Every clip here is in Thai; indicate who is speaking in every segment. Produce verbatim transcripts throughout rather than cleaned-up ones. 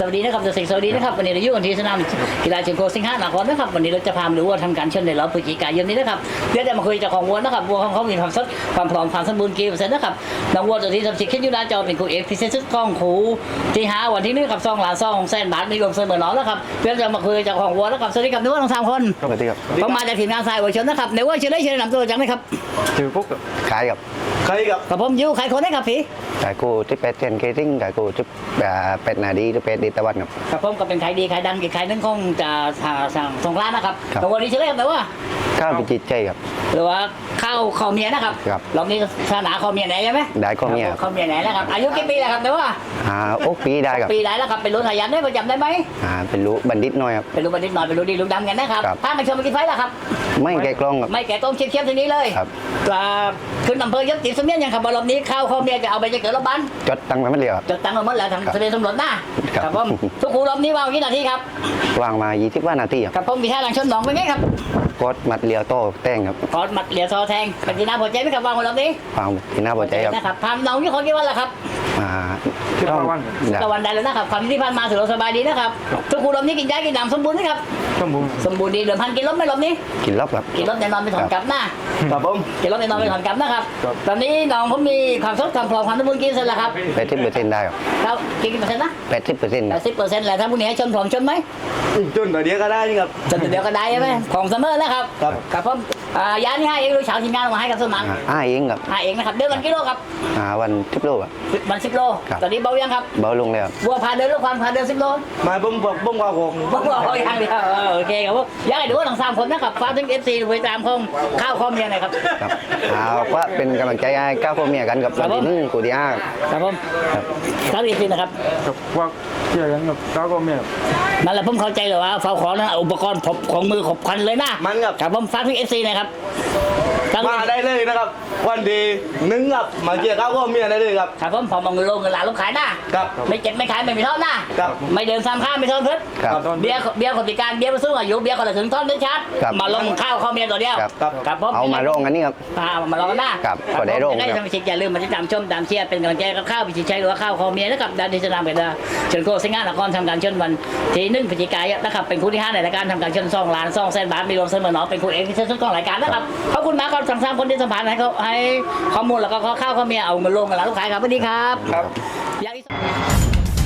Speaker 1: สวัสดีนะครับจะสิงสวัสดีนะครับวันนี้เราอยู่กันที่สนามกีฬาเชียงโกสิงห์นครนะครับวันนี้เราจะพามาดูว่าทำการเชิญในรอบพฤศจิกายนนี้นะครับเดี๋ยวจะมาคุยจากของวัวนะครับวัวของเขามีความสดความพร้อมความสมบูรณ์กี่เปอร์เซ็นต์นะครับน้องวัวตัวที่ทำชิคเก้นยูนาจอเป็นครูเอกพิเศษชุดกล้องครูที่หาวันที่นี้กับซองหลานซองแสนบาทมีรวมเสมอหนอแล้วครับเดี๋ยวจะมาคุยจากของวัวนะครับสวัสดีครับนึกว่าทั้งสามคน
Speaker 2: สวัสดีครับ
Speaker 1: ผมมาจากทีมงานสายวัวชนนะครับในว่าเชิญได้เชิญนำตัวจังไหมครับ
Speaker 2: ชื่อปุ๊กขายกับ
Speaker 3: ใครกับ
Speaker 1: กับผมยูใครคนได้ครับพี่
Speaker 2: ขายกูที่เป็ดเทนเคติ้งขายกูที่เป็ดนาดีที่เป็ดดีตะวันครับ
Speaker 1: กับผมก็เป็นขายดีขายดังอีกขายนึงคงจะสั่งสงร้านนะครับแต่วันนี้เชิญได้ครับแต่ว่า
Speaker 2: ข้าวเป็นจิตใจครับ
Speaker 1: หรือว่าข้าวข้าวเมียนะครับ
Speaker 2: ครับ
Speaker 1: รอบนี้ศาสนาข้าวเมียไหนใช่ไหม
Speaker 2: ได้ข้าวเมีย
Speaker 1: ข้าวเมียไหนนะครับอายุกี่ปีแล้วครับแต่ว่า
Speaker 2: อ่าโอ๊กปีได้ครับ
Speaker 1: ปีไหนแล้วครับเป็นรุ่นหายันได้ประจำได้ไหม
Speaker 2: อ่าเป็นรู้บัณฑิตน้อยครับ
Speaker 1: เป็นรุ่นบัณฑิตหน่อยเป็นรุ่นดีรุ่นดำกันนะครับ
Speaker 2: ครับ
Speaker 1: ถ้ามาชมมากี่ไฟแล้วครับ
Speaker 2: ไม่แกะกล้องครับ
Speaker 1: ไม่แก่ต้มเชียมๆทีนี้เลย
Speaker 2: ครับ
Speaker 1: อ่าขึ้นอำเภอยศติดสมเนียนยังครับว่ารอบนี้ข้าวข้าวเมียจะเอาไปจะเกิดรอบบ้าน
Speaker 2: จดตังค์ไปไม่เรียวครับ
Speaker 1: จดตังค์มาหมดแล้วทาง
Speaker 2: ครับ
Speaker 1: ทะเลตำรวจหน้า
Speaker 2: ครับ
Speaker 1: ครับผมทุกครูรอบนี้ว่างกี่นาทีครับ
Speaker 2: วางมายี่สิบว่านาทีครับ
Speaker 1: ครับผมมีท่าหลังชนหนองเป็นไงครับ
Speaker 2: กดมัดเลียวโต้แต้งครับ
Speaker 1: ขอหมัดเหลียวซอแทงเป็นที่น่าพอใจไหมครับว่างวันรอบนี้
Speaker 2: วางที่น่าพอใจครับ
Speaker 1: นะครับพามน้องที่คนกี่วันแล้วครับ
Speaker 2: อ่าต้องได้
Speaker 1: ตะวันได้แล้วนะครับความที่ผ่านมาถือว่าสบายดีนะครับทุกคนรอบนี้กินยากินน้ำสมบูรณ์ไหมครับ
Speaker 3: สมบูรณ์
Speaker 1: สมบูรณ์ดีเหลือพันกินลบไหม่รอบนี้
Speaker 2: กินรอบครับ
Speaker 1: กินลบแน่นอนไม่ถอนกลับหน้า
Speaker 3: ครับผม
Speaker 1: กินลบแน่นอนไม่ถอนกลับนะครับ
Speaker 3: ครับ
Speaker 1: ตอนนี้น้องผมมีความสดความพร้อมความสมบูรณ์กี่เปอร์เซ็นต์แล้วครับ
Speaker 2: แปดสิบเปอร์เซ็นต์ได้ครับ
Speaker 1: แล้วกี่เปอร์เซ็นต์นะ
Speaker 2: แปดสิบเปอร์เซ็นต์
Speaker 1: แปดสิบเปอร์เซ็นต์แหละถ้าพรุ่งนี้ให้ชนพร้อมชนไหม
Speaker 3: จนตัวเดียวก็ได้นี่ครับ
Speaker 1: ชนเดียวก็ได้ใช่ไหมของเสมอแล้วครับ
Speaker 3: ครับ
Speaker 1: ครับผมอ่ายาที่ให้เองลูกสาวทีมงานเอามาให้กับสมัง
Speaker 2: อ่าเองครับ
Speaker 1: ให้เองนะครับเดือนวันกิโลครับ
Speaker 2: อ่าวันทิปโลครับ
Speaker 1: วันสิบโล
Speaker 2: ครับ
Speaker 1: ตอนนี้เบายังครับ
Speaker 2: เบาลงแล้ว
Speaker 1: บัวพาเดินลูกพันพาเดินสิบโล
Speaker 3: มาบุ้มบอกบุ้มว่าผม
Speaker 1: บอกว่าเขาอย่างเดียวเออโอเคครับผมอยากให้ดูว่าทั้งสามคนนะครับฝากถึงเอฟซีไปตามของข้าวข้อเมียหน่อยครับ
Speaker 2: ครับเอาว่าเป็นกำลังใจให้ก้าวพ่อเมียกันกับวันที่หนึ่งกูที่ห้า
Speaker 1: ครับผม
Speaker 2: ครับ
Speaker 1: ครับเอฟซีนะครับ
Speaker 3: กับว่าเกี่ยวกันกับเจ้าก็เมีย
Speaker 1: นั่นแหละผมเข้าใจเลยว่าเฝ้าของนะอุปกรณ์ผมของมือขบคันเลยนะ
Speaker 3: มันครับ
Speaker 1: ครับผมฝากถึงเอฟซีหนะครับทั้ง
Speaker 3: มาได้เลยนะครับ วันดีหนึ่งครับมาเกี่ยวกับก็เมียได้เลยครับ
Speaker 1: ครับผมพอมองเงินลงเงินหลานลงขายนะครับ ไม่เจ็บไม่ขายไม่มีเท่าหน้า
Speaker 3: ครับ
Speaker 1: ไม่เดินซ้ำข้ามไม่เท่าเพิ่
Speaker 2: ครับ
Speaker 1: เบียร์เบียร์คนพิการเบียร์ผู้สูงอายุเบียร์คนละถึงท่อนได้ชัด
Speaker 2: ครับ
Speaker 1: มาลงข้าวข้าวเมียตัวเดียว
Speaker 2: ครับ
Speaker 1: ครับผม
Speaker 2: เอามาร่องกันนี่ครับ
Speaker 1: อ่ามาลองกันหน้า
Speaker 2: ครับก็ได้โรง
Speaker 1: ได้
Speaker 2: ครับ
Speaker 1: ทำชิคอย่าลืมมาติดตามชมตามเชียร์เป็นกำลังใจกับข้าวพิชิตชัยหรือว่าข้าวคอเมียนะครับดันดิจนามกันดาเชิญโกสิงห์นครทำการเชิญวันที่หนึ่งพฤศจิกายนนะครับเป็นคู่ที่ห้าในรายการทำการเชิญซองล้านซองแสนบาทมีรวมเสมอหนอเป็นคู่เอกที่เชิญสุดของรายการนะครับขอบคุณมากครับทั้งสามคนที่สัมภาษณ์ให้เขาให้ข้อมูลแล้วก็ข้าวข้าวเมียเอาเงินลงกันแล้วลูกค้าครับสวัสดีครับ
Speaker 3: ครับ
Speaker 1: อยากอีก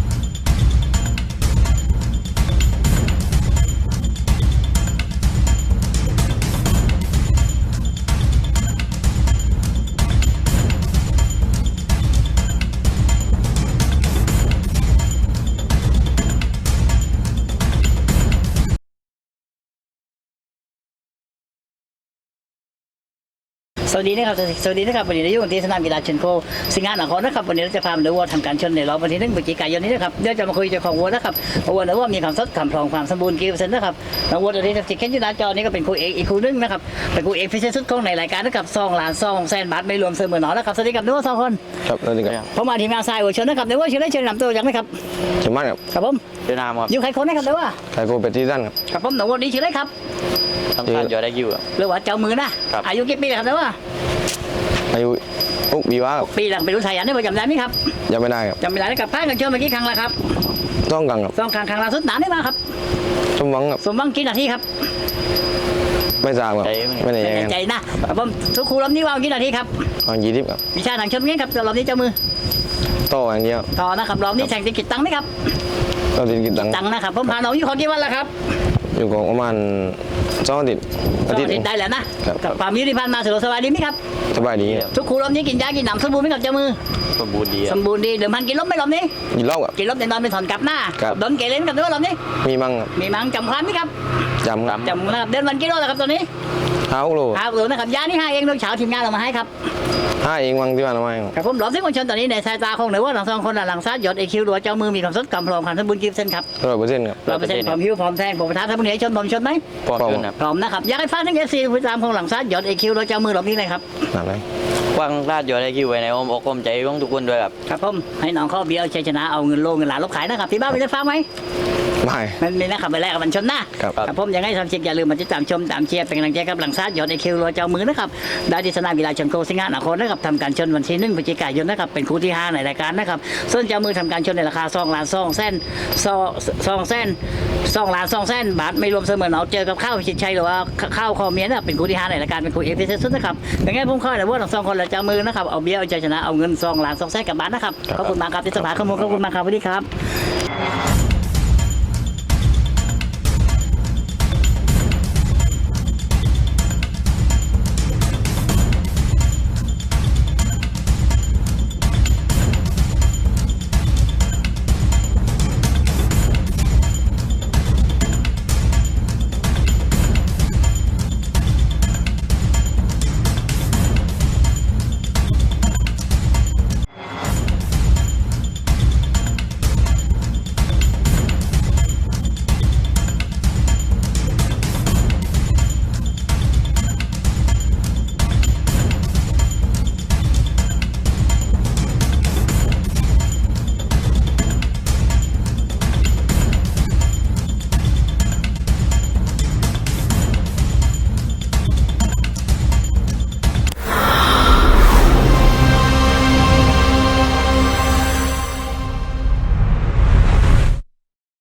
Speaker 1: สวัสดีนะครับสวัสดีนะครับวันนี้เราอยู่ที่สนามกีฬาเชนโคสิงห์นครนะครับวันนี้เราจะพามาดูวัวทำการชนในรอบวันที่หนึ่งพฤศจิกายนนี้นะครับเดี๋ยวจะมาคุยเจ้าของวัวนะครับวัวนะว่ามีความสดความพร้อมความสมบูรณ์กี่เปอร์เซ็นต์นะครับน้องวัวตัวนี้ที่เข็นอยู่หน้าจอนี้ก็เป็นคู่เอกอีกคู่นึงนะครับเป็นคู่เอกพิเศษสุดของในรายการนะครับซองล้านซองแสนบาทไม่รวมเสมอหนอนะครับสวัสดีครับนึกว่าสองคน
Speaker 2: ครับนั่นเองครับ
Speaker 1: ผมมาทีมงานทรายวัวชนนะครับในว่าเชิญได้เชิญนำตัวยังไหมครับ
Speaker 2: เชื่อมั่นครับ
Speaker 1: ครับผม
Speaker 4: เวียดนามครับ
Speaker 1: อยู่ใครคนนะครับเดี๋ยวว่า
Speaker 2: ไทยโกเป็นที่สั้นครับ
Speaker 1: ครับผมน้องวัวนี้ชื่ออะไรครับ
Speaker 4: ทำท่านยอดได้อยู่ครับ
Speaker 1: หรือว่าเจ้ามือนะครับ อายุกี่ปีแล้วครับเดี๋ยวว่า
Speaker 2: อายุอุ๊กบีว่าครับ
Speaker 1: ปีหลังเป็นรุ่นสายันได้ประจำได้ไหมครับ
Speaker 2: ยังไม่ได้ครับ
Speaker 1: จำไม่ได้นะครับพากันชมเมื่อกี้ครั้งละครับ
Speaker 2: ต้องกังครับ
Speaker 1: สองครั้งครั้งล่าสุดนานได้มาครับ
Speaker 2: สมหวังครับ
Speaker 1: สมหวังกี่นาทีครับ
Speaker 2: ไม่ทราบครับไม่ได้
Speaker 1: ใจ
Speaker 2: ยังไง
Speaker 1: ใจนะครับผมทุกครูรอบนี้ว่างกี่นาทีครับ
Speaker 2: เอายี่สิบครับ
Speaker 1: วิชาทางชนเงี้ยครับรอบนี้เจ้ามือ
Speaker 2: โต้อย่างเดียว
Speaker 1: ต่อนะครับรอบนี้แข่งติดกิจตังค์ไหมครับ
Speaker 2: เราติดกินตังค์
Speaker 1: ตังค์นะครับผมพาน้องอยู่ขอกี่วันแล้วครับ
Speaker 2: อยู่ของประมาณสองอาทิตย์
Speaker 1: ส
Speaker 2: อา
Speaker 1: อง
Speaker 2: ทิตย์
Speaker 1: อาทิตย์ได้แล้วนะครับ กับความยุติธรรมมาสะดวกสบายดีไหมครับ
Speaker 2: สบายดีครับ
Speaker 1: ทุกครูรอบนี้กินยากินน้ำสมบูรณ์ไหมครับเจ้ามือ
Speaker 4: สมบูรณ์ดีค
Speaker 1: ส
Speaker 4: รับ
Speaker 1: มบูรณ์ดีเดิมพันกินลบไหมรอบนี้
Speaker 2: กินเหล้าครับ
Speaker 1: กินลบแน่นอนเป็นถอนกลับหน้า
Speaker 2: ครับ
Speaker 1: โดนเกเรนกับด้วยรอบนี้
Speaker 2: มีมั่งครับ
Speaker 1: มีมังจำความไหมครับ
Speaker 2: จำครับ
Speaker 1: จำนะครับเดินวันกิโลแล้วครับตอนนี้
Speaker 2: ห้าโล
Speaker 1: หาหรือนะครับยานี่ให้เองโดยเช้าทีมงานเรามาให้ครับ
Speaker 2: ห้าเองวังที่ว่าทำไมครับ
Speaker 1: ครับผมหลอมที่คนชนตอนนี้ในสายตาของหรือว่าหลังสองคนหลังซัดหยดไอคิวหรือว่าเจ้ามือมีความสดกำพร้อมขันสมบูรณ์กิฟเซนครับ
Speaker 2: ร้อยเปอร์เซ็นต์ครับ
Speaker 1: ร้อยเปอร์เซ็นต์พร้อมหิวพร้อมแทงผมประธานท่านผู้นี้ชนผมชนไหม
Speaker 4: ปลอดภัยครับ
Speaker 1: พร้อมนะครับอยากให้ฟ้าทั้งเอฟซีผู้ตามของหลังซัดหยดไอคิวหรือเจ้ามือหลอมนี้เลยครับ
Speaker 2: นั่นเลย
Speaker 4: กว้างลาดยอดได้คิวไว้ในอ้อมอกอ้อมใจของทุกคนด้วยครับ
Speaker 1: ครับผมให้น้องเขาเบียร์ชัยชนะเอาเงินโลเงินหลานลบขายนะครับที่บ้านมีได้ฟังไหม
Speaker 3: ไม่
Speaker 1: มันมีนะครับไปแรกกับมันชนนะครับ ครับผมยังไงทำเชียร์อย่าลืมมาติดตามชมตามเชียร์เป็นกำลังใจกับหลังซาดยอดไอคิวรัวเจ้ามือนะครับได้ที่สนามกีฬาชนโคสิงห์นครนะครับทำการชนวันที่หนึ่งพฤศจิกายนนะครับเป็นคู่ที่ห้าในรายการนะครับส่วนเจ้ามือทำการชนในราคาสองล้านสองแสนสองสองแสนสองล้านสองแสนบาทไม่รวมเสมอเอาเจอกับข้าวพิชิตชัยหรือว่าข้าวคอเมียนเป็นคู่ที่ห้าในรายการเป็นคู่เอฟซีสุดนะครับยังไงผมเข้าในว่าทั้งสองคนและเจ้ามือนะครับเอาเบี้ยเอาใจชนะเอาเงินสองล้านสองแสนกับบาทนะครับขอบคุณมากครับที่สภาข้อมูลขอบคุณมากครับสวัสดีครับ